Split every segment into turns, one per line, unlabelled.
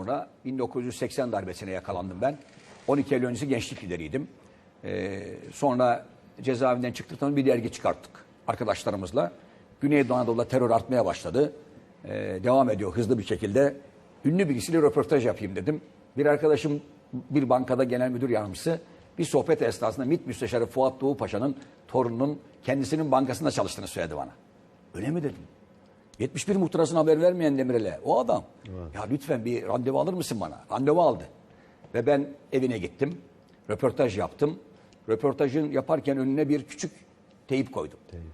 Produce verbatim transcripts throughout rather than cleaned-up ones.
sonra bin dokuz yüz seksen darbesine yakalandım ben. on iki Eylül öncesi gençlik lideriydim. Ee, sonra cezaevinden çıktıktan sonra bir dergi çıkarttık arkadaşlarımızla. Güneydoğu Anadolu'da terör artmaya başladı. Ee, devam ediyor hızlı bir şekilde. Ünlü birisiyle röportaj yapayım dedim. Bir arkadaşım bir bankada genel müdür yardımcısı bir sohbet esnasında MİT Müsteşarı Fuat Doğu Paşa'nın torununun kendisinin bankasında çalıştığını söyledi bana. Öyle mi dedim. yetmiş bir muhtırasına haber vermeyen Demirel'e o adam. Evet. Ya lütfen bir randevu alır mısın bana? Randevu aldı. Ve ben evine gittim. Röportaj yaptım. Röportajın yaparken önüne bir küçük teyip koydum. Teyip.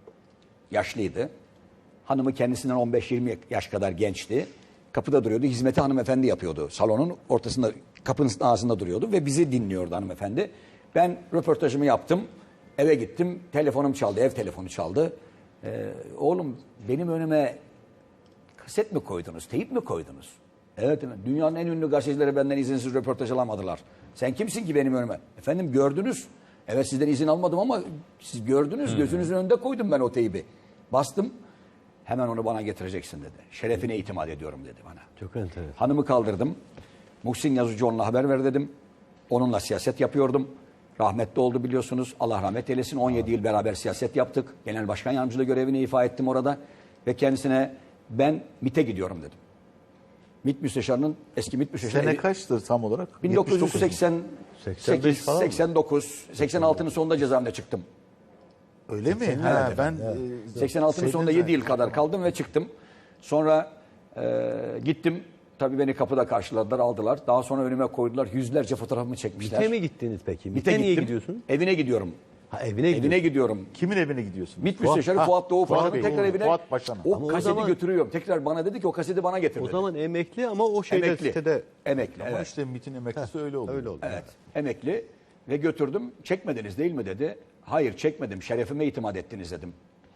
Yaşlıydı. Hanımı kendisinden on beş yirmi yaş kadar gençti. Kapıda duruyordu. Hizmeti hanımefendi yapıyordu. Salonun ortasında, kapının ağzında duruyordu ve bizi dinliyordu hanımefendi. Ben röportajımı yaptım. Eve gittim. Telefonum çaldı. Ev telefonu çaldı. Ee, oğlum benim önüme kaset mi koydunuz? Teyip mi koydunuz? Evet. Dünyanın en ünlü gazetecileri benden izinsiz röportaj alamadılar. Sen kimsin ki benim önüme? Efendim gördünüz. Evet sizden izin almadım ama siz gördünüz. Hmm. Gözünüzün önünde koydum ben o teybi. Bastım. Hemen onu bana getireceksin dedi. Şerefine itimat ediyorum dedi bana.
Çok enteresan.
Hanımı kaldırdım. Muhsin Yazıcıoğlu'na haber ver dedim. Onunla siyaset yapıyordum. Rahmetli oldu biliyorsunuz. Allah rahmet eylesin. on yedi yıl beraber siyaset yaptık. Genel Başkan Yardımcılığı görevini ifa ettim orada. Ve kendisine ben MİT'e gidiyorum dedim. MİT Müsteşarı'nın eski MİT Müsteşarı.
Sene kaçtır tam olarak?
bin dokuz yüz seksen sekiz, seksen dokuz, seksen altının sonunda cezaevinde çıktım.
Öyle mi? Ha, ben
e, seksen altının sonunda yedi yıl kadar kaldım ve çıktım. Sonra e, gittim. Tabii beni kapıda karşıladılar, aldılar. Daha sonra önüme koydular. Yüzlerce fotoğrafımı çekmişler.
MİT'e mi gittiniz peki?
MİT'e
MİT'e niye
gittim.
gidiyorsun?
Evine gidiyorum.
Ha, evine gidiyorsun.
Evine gidiyorum.
Kimin evine gidiyorsun?
MİT Müsteşarı Fuat Doğu Paşa'nın tekrar evine.
Fuat Paşa'nın.
O
Ama
kaseti
o zaman,
götürüyorum. Tekrar bana dedi ki o kaseti bana getir
o
dedi.
zaman emekli ama o şeyde
Emekli.
sitede.
Emekli.
Ama
Evet.
işte MİT'in emeklisi
Heh,
öyle oldu.
Öyle oldu.
Evet. Emekli ve götürdüm. Çekmediniz değil mi dedi. Hayır çekmedim. Şerefime itimat ettiniz dedim.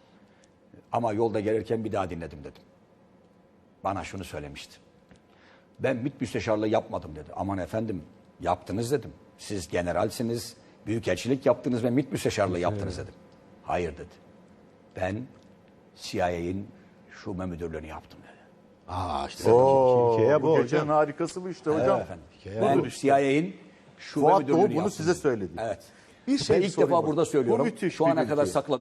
Ama yolda gelirken bir daha dinledim dedim. Bana şunu söylemişti. Ben MİT müsteşarlığı yapmadım dedi. Aman efendim yaptınız dedim. Siz generalsiniz, büyükelçilik yaptınız ve MİT müsteşarlığı yaptınız dedim. Hayır dedi. Ben C I A'nin şube müdürlüğünü yaptım dedi.
Aa işte
Oo,
hikaye bu
bu gecenin
hocam.
harikası bu işte hocam.
Evet efendim.
Hikaye
Ben
budur işte.
C I A'nin şube
Fuat
müdürlüğünü
Doğu bunu
yaptım
size
dedi.
söyledi.
Evet.
Bir şey
Ben ilk
sorayım
defa
hocam.
burada söylüyorum.
Bu müthiş
Şu
bir
ana kadar
bilgi.
sakladım.